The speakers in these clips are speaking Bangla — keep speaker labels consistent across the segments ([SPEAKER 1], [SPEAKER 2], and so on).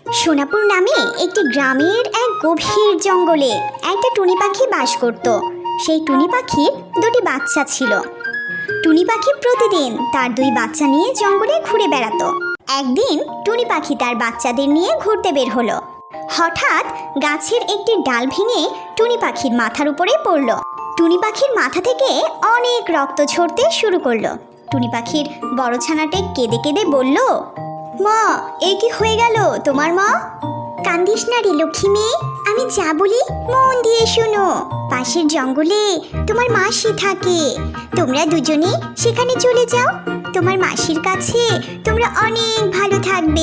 [SPEAKER 1] সোনাপুর নামে একটি গ্রামের এক গভীর জঙ্গলে একটা টুনি পাখি বাস করত। সেই টুনি পাখির দুটি বাচ্চা ছিল। টুনি পাখি প্রতিদিন তার দুই বাচ্চা নিয়ে জঙ্গলে ঘুরে বেড়াতো। একদিন টুনি পাখি তার বাচ্চাদের নিয়ে ঘুরতে বের হলো। হঠাৎ গাছের একটি ডাল ভেঙে টুনি পাখির মাথার উপরে পড়ল। টুনি পাখির মাথা থেকে অনেক রক্ত ঝরতে শুরু করলো। টুনি পাখির বড় ছানাটি কেঁদে কেঁদে বলল, মা, এ কি হয়ে গেল তোমার মা? কান্দিস না রে লক্ষ্মী মেয়ে, আমি যা বলি মন দিয়ে শোনো। পাশের জঙ্গলে তোমার মাসি থাকে, তোমরা দুজনে সেখানে চলে যাও। তোমার মাসির কাছে তোমরা অনেক ভালো থাকবে।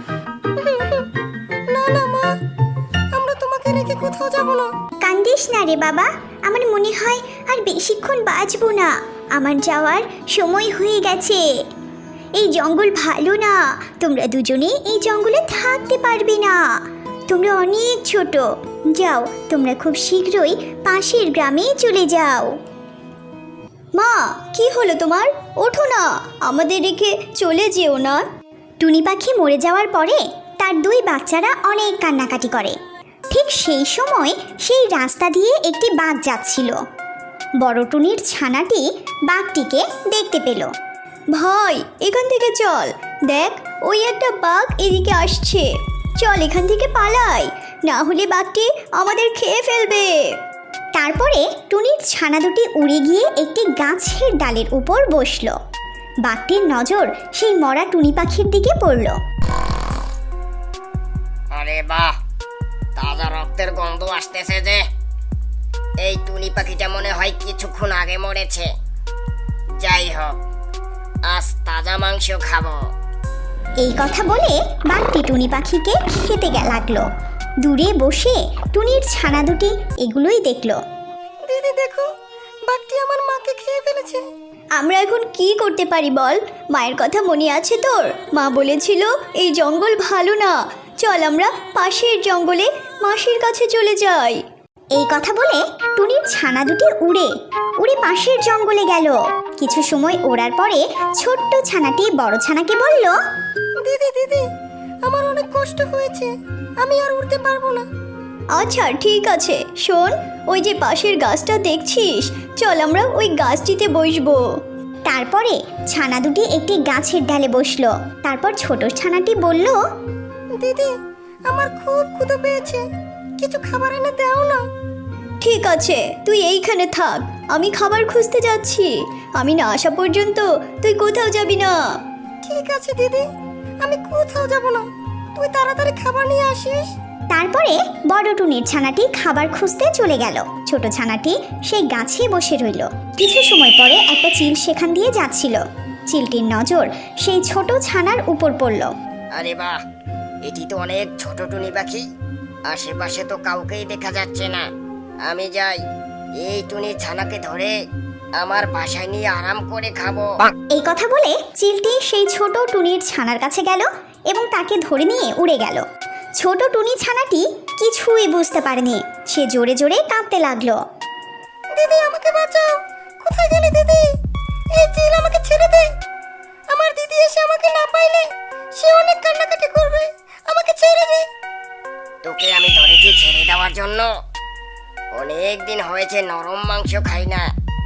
[SPEAKER 2] না না মা, আমরা তোমাকে রেখে কোথাও যাব না।
[SPEAKER 1] কান্দিস না রে বাবা, আমার মনে হয় আর বেশিক্ষণ বাঁচবো না। আমার যাওয়ার সময় হয়ে গেছে। এই জঙ্গল ভালো না, তোমরা দুজনে এই জঙ্গলে থাকতে পারবে না। তোমরা অনেক ছোট, যাও, তোমরা খুব শীঘ্রই পাশের গ্রামে চলে যাও। মা, কি হলো তোমার? ওঠো না, আমাদের রেখে চলে যেও না। টুনি পাখি মরে যাওয়ার পরে তার দুই বাচ্চারা অনেক কান্নাকাটি করে। ঠিক সেই সময় সেই রাস্তা দিয়ে একটি বাঘ যাচ্ছিল। বড় টুনির ছানাটি বাঘটিকে দেখতে পেল। ভাই, এখান থেকে চল, দেখ ওই একটা বাঘ এদিকে আসছে। চল এখান থেকে পালাই, না হলে বাঘটি আমাদের খেয়ে ফেলবে। তারপরে টুনির ছানা দুটি উড়ে গিয়ে একটি গাছের ডালের উপর বসলো। বাঘটির নজর সেই মরা টুনি পাখির দিকে পড়ল।
[SPEAKER 2] আরে বাহ, তাজা রক্তের গন্ধ আসতেছে যে। এই টুনি পাখিটা মনে হয় কিছুক্ষণ আগে মরেছে। যাই হোক, আজ তাজা মাংস খাবো।
[SPEAKER 1] এই কথা বলে বাঘটি টুনি পাখিকে খেতে লাগলো। দূরে বসে টুনির ছানা দুটি এগুলোই দেখলো।
[SPEAKER 2] দিদি দেখো, বাঘটি আমার মাকে খেয়ে ফেলেছে।
[SPEAKER 1] আমরা এখন কি করতে পারি বল? মায়ের কথা মনে আছে তোর? মা বলেছিল এই জঙ্গল ভালো না, চল আমরা পাশের জঙ্গলে মাসির কাছে চলে যাই। এই কথা বলে টুনির ছানা দুটি উড়ে উড়ে পাশের জঙ্গলে গেল। কিছু সময় ওড়ার পরে ছোট্ট ছানাটি বড় ছানাকে বলল,
[SPEAKER 2] দিদি দিদি, আমার অনেক কষ্ট হয়েছে, আমি আর উঠতে পারবো না।
[SPEAKER 1] আচ্ছা ঠিক আছে, শোন, ওই যে পাশের গাছটা দেখছিস, চল আমরা ওই গাছটিতে বসবো। তারপরে ছানা দুটি একটি গাছের ডালে বসলো। তারপর ছোট ছানাটি বলল,
[SPEAKER 2] দিদি, আমার খুব ক্ষুধা পেয়েছে, কিছু খাবার এনে দাও না।
[SPEAKER 1] ঠিক আছে, তুই এইখানে থাক, আমি খাবার খুঁজতে যাচ্ছি। আমি না আসা পর্যন্ত তুই কোথাও যাবি না।
[SPEAKER 2] ঠিক আছে দিদি, আমি কোথাও যাব না, তুই তাড়াতাড়ি খাবার নিয়ে আসিস।
[SPEAKER 1] তারপরে বড় টুনির ছানাটি খাবার খুঁজতে চলে গেল। ছোট ছানাটি সেই গাছে বসে রইল। কিছু সময় পরে একটা চিল সেখান দিয়ে যাচ্ছিল। চিলটির নজর সেই ছোট ছানার উপর পড়ল।
[SPEAKER 2] আরে বাহ, এটি তো অনেক ছোট টুনি পাখি, আশেপাশে তো কাউকেই দেখা যাচ্ছে না। আমি যাই, এই টুনি ছানাকে ধরে আমার বাসায় নিয়ে আরাম করে খাবো।
[SPEAKER 1] এই কথা বলে চিলটি সেই ছোট টুনির ছানার কাছে গেল এবং তাকে ধরে নিয়ে উড়ে গেল। ছোট টুনি ছানাটি কিছুই বুঝতে পারেনি, সে জোরে জোরে কাঁদতে লাগলো।
[SPEAKER 2] দিদি, আমাকে বাঁচাও, কোথায় গেলে দিদি? এই চিল আমাকে ছেড়ে দে। আমার দিদি এসে আমাকে না পাইলে সে অনেক কান্নাকাটি করবে, আমাকে ছেড়ে দে। তোকে আমি ধরেছি ছেড়ে দেওয়ার জন্য। অনেক দিন হয়েছে নরম মাংস খাই না,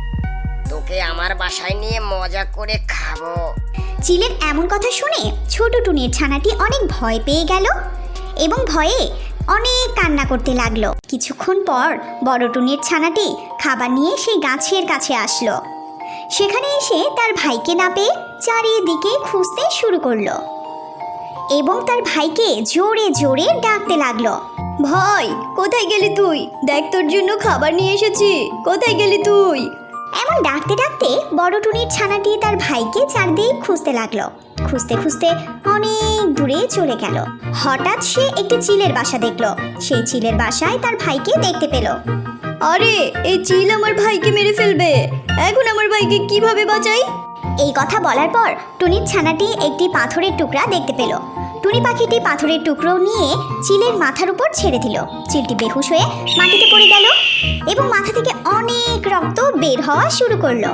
[SPEAKER 2] তোকে আমার বাসায় নিয়ে মজা করে খাবো।
[SPEAKER 1] চিলের এমন কথা শুনে ছোট টুনির ছানাটি অনেক ভয় পেয়ে গেল এবং ভয়ে অনেক কান্না করতে লাগলো। কিছুক্ষণ পর বড় টুনির ছানাটি খাবার নিয়ে সেই গাছের কাছে আসলো। সেখানে এসে তার ভাইকে না পেয়ে চারিদিকে খুঁজতে শুরু করলো এবং তার ভাইকে জোরে জোরে ডাকতে লাগলো। ভাই, কোথায় গেলি তুই? দেখ, তোর জন্য খাবার নিয়ে এসেছি, কোথায় গেলি তুই? এমন ডাকতে ডাকতে বড় টুনির ছানাটি তার ভাইকে চারদিক খুঁজতে লাগলো। খুঁজতে খুঁজতে অনেক দূরে চলে গেল। হঠাৎ সে একটি চিলের বাসা দেখলো। সেই চিলের বাসায় তার ভাইকে দেখতে পেল। আরে, এই চিল আমার ভাইকে মেরে ফেলবে, এখন আমার ভাইকে কিভাবে বাঁচাই? এই কথা বলার পর টুনির ছানাটি একটি পাথরের টুকরা দেখতে পেল। টুনি পাখিটি পাথরের টুকরো নিয়ে চিলের মাথার উপর ছেড়ে দিল। চিলটি বেহুশ হয়ে মাটিতে পড়ে গেল এবং মাথা থেকে অনেক রক্ত বের হওয়া শুরু করলো।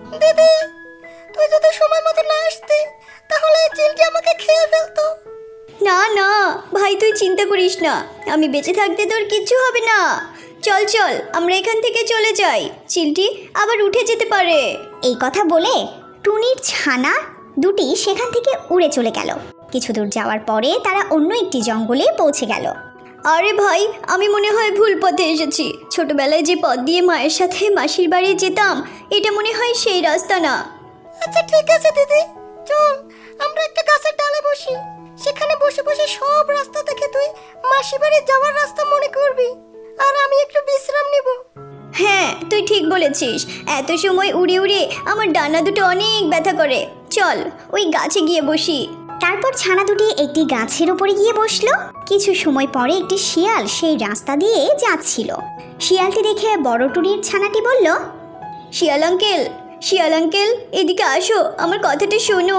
[SPEAKER 2] দিদি, তুই যদি সময় মতো না আসতে, তাহলে এই চিলটি আমাকে খেয়ে ফেলতো।
[SPEAKER 1] না না ভাই, তুই চিন্তা করিস না, আমি বেঁচে থাকতে তোর কিচ্ছু হবে না। চল চল, আমরা এখান থেকে চলে যাই, চিলটি আবার উঠে যেতে পারে। এই কথা বলে টুনির ছানা দুটি সেখান থেকে উড়ে চলে গেল। কিছু দূর যাওয়ার পরে তারা অন্য একটি জঙ্গলে পৌঁছে গেল। আরে ভাই, আমি মনে হয় ভুল পথে এসেছি। ছোটবেলায় যে পথ দিয়ে মায়ের সাথে মাসির বাড়ি যেতাম, এটা মনে হয় সেই রাস্তা না।
[SPEAKER 2] আচ্ছা ঠিক আছে দিদি, চল আমরা একটা গাছের ডালে বসি। সেখানে বসে বসে সব রাস্তা দেখে তুই মাসি বাড়ি যাওয়ার রাস্তা মনে করবি, আর আমি একটু বিশ্রাম নিব।
[SPEAKER 1] হ্যাঁ, তুই ঠিক বলেছিস। এত সময় উড়ে উড়ে আমার ডানা দুটো অনেক ব্যথা করে। চল ওই গাছে গিয়ে বসি। তারপর ছানা দুটি একটি গাছের উপরে গিয়ে বসলো। কিছু সময় পরে একটি শিয়াল সেই রাস্তা দিয়ে যাচ্ছিল। শিয়ালটি দেখে বড় টুনির ছানাটি বলল, শিয়াল আঙ্কেল, শিয়াল আঙ্কেল, এদিকে আসো, আমার কথাটা শোনো।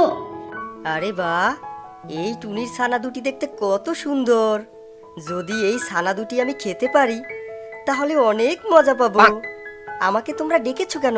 [SPEAKER 3] আরে বাহ, এই টুনির ছানা দুটি দেখতে কত সুন্দর। যদি এই ছানা দুটি আমি খেতে পারি তাহলে অনেক মজা পাবো। আমাকে তোমরা ডেকেছো কেন?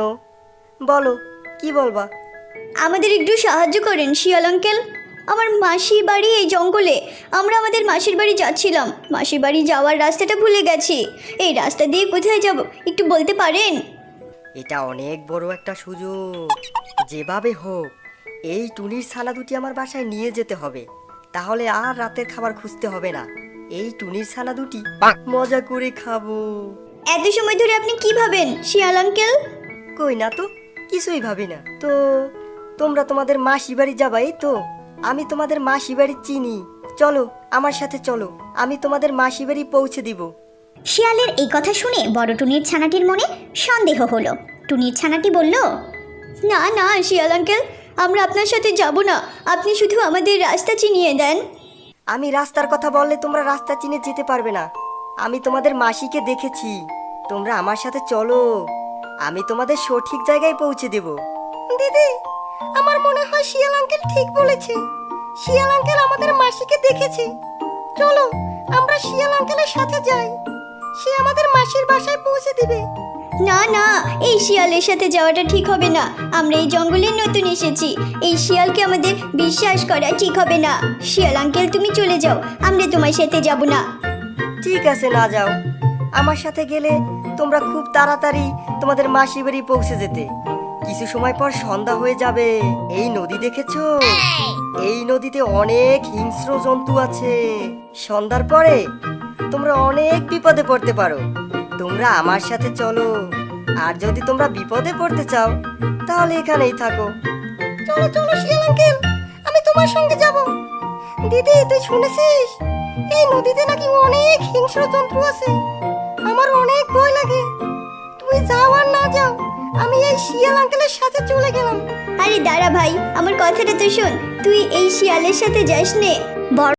[SPEAKER 3] বলো, কি বলবা?
[SPEAKER 1] আমাদের একটু সাহায্য করেন শিয়াল আঙ্কেল। আমার মাসি বাড়ি এই জঙ্গলে। আমরা আমাদের মাসির বাড়ি যাচ্ছিলাম। মাসির বাড়ি যাওয়ার রাস্তাটা ভুলে গেছি। এই রাস্তা দিয়ে কোথায় যাব একটু বলতে পারেন?
[SPEAKER 3] এটা অনেক বড় একটা সুযোগ। যেভাবে হোক এই টুনির ছানা দুটি আমার বাসায় নিয়ে যেতে হবে, তাহলে আর রাতের খাবার খুঁজতে হবে না। এই টুনির ছানা দুটি মজা করে খাবো।
[SPEAKER 1] এত সময় ধরে আপনি কি ভাবেন শিয়াল আঙ্কেল?
[SPEAKER 3] কই না তো, কিছুই ভাবি না তো। তোমরা তোমাদের মাসি বাড়ি যাবা, এই তো। আমি তোমাদের মাসি বাড়ি চিনি। চলো আমার সাথে চলো, আমি তোমাদের মাসি বাড়ি পৌঁছে দিব।
[SPEAKER 1] শিয়ালের এই কথা শুনে বড় টুনির ছানাটির মনে সন্দেহ হলো। টুনির ছানাটি বলল, না না শিয়াল আঙ্কেল, আমরা আপনার সাথে যাব না। আপনি শুধু আমাদের রাস্তা চিনিয়ে দেন।
[SPEAKER 3] আমি রাস্তার কথা বললে তোমরা রাস্তা চিনে যেতে পারবে না। আমি তোমাদের মাসিকে দেখেছি। তোমরা আমার সাথে চলো, আমি তোমাদের সঠিক জায়গায় পৌঁছে দেব।
[SPEAKER 2] দিদি, আমার মনে হয় শিয়াল আঙ্কেল ঠিক বলেছে। শিয়াল আঙ্কেল আমাদের মাসিকে দেখেছে। চলো আমরা শিয়াল আঙ্কেলের সাথে যাই, সে আমাদের মাসির বাসায় পৌঁছে দিবে।
[SPEAKER 1] না না, এই শিয়ালের সাথে যাওয়াটা ঠিক হবে না। আমরা এই জঙ্গলে নতুন এসেছি, এই শিয়ালকে আমাদের বিশ্বাস করা ঠিক হবে না। শিয়াল আঙ্কেল তুমি চলে যাও, আমরা তোমার সাথে যাব না।
[SPEAKER 3] ঠিক আছে, না যাও। আমার সাথে গেলে তোমরা খুব তাড়াতাড়ি তোমাদের মাসি বাড়ি পৌঁছে যেতে। কিছু সময় পর সন্ধ্যা হয়ে যাবে। এই নদী দেখেছো? এই নদীতে অনেক হিংস্র জন্তু আছে। সন্ধ্যার পরে তোমরা অনেক বিপদে পড়তে পারো। তোমরা আমার সাথে চলো, আর যদি তোমরা বিপদে পড়তে চাও তাহলে এখানেই থাকো।
[SPEAKER 2] চলো চলো শিয়াল আঙ্কেল, আমি তোমার সঙ্গে যাব। দিদি, তুই শুনেছিস এই নদীতে নাকি অনেক হিংস্র জন্তু আছে? আমার অনেক ভয় লাগে। তুই যাও আর না যাও, আমি এই শিয়াল আঙ্কেলের সাথে চলে গেলাম।
[SPEAKER 1] আরে দাঁড়া ভাই, আমার কথাটা তো শোন। তুই এই শিয়ালের সাথে যাস নে। বড়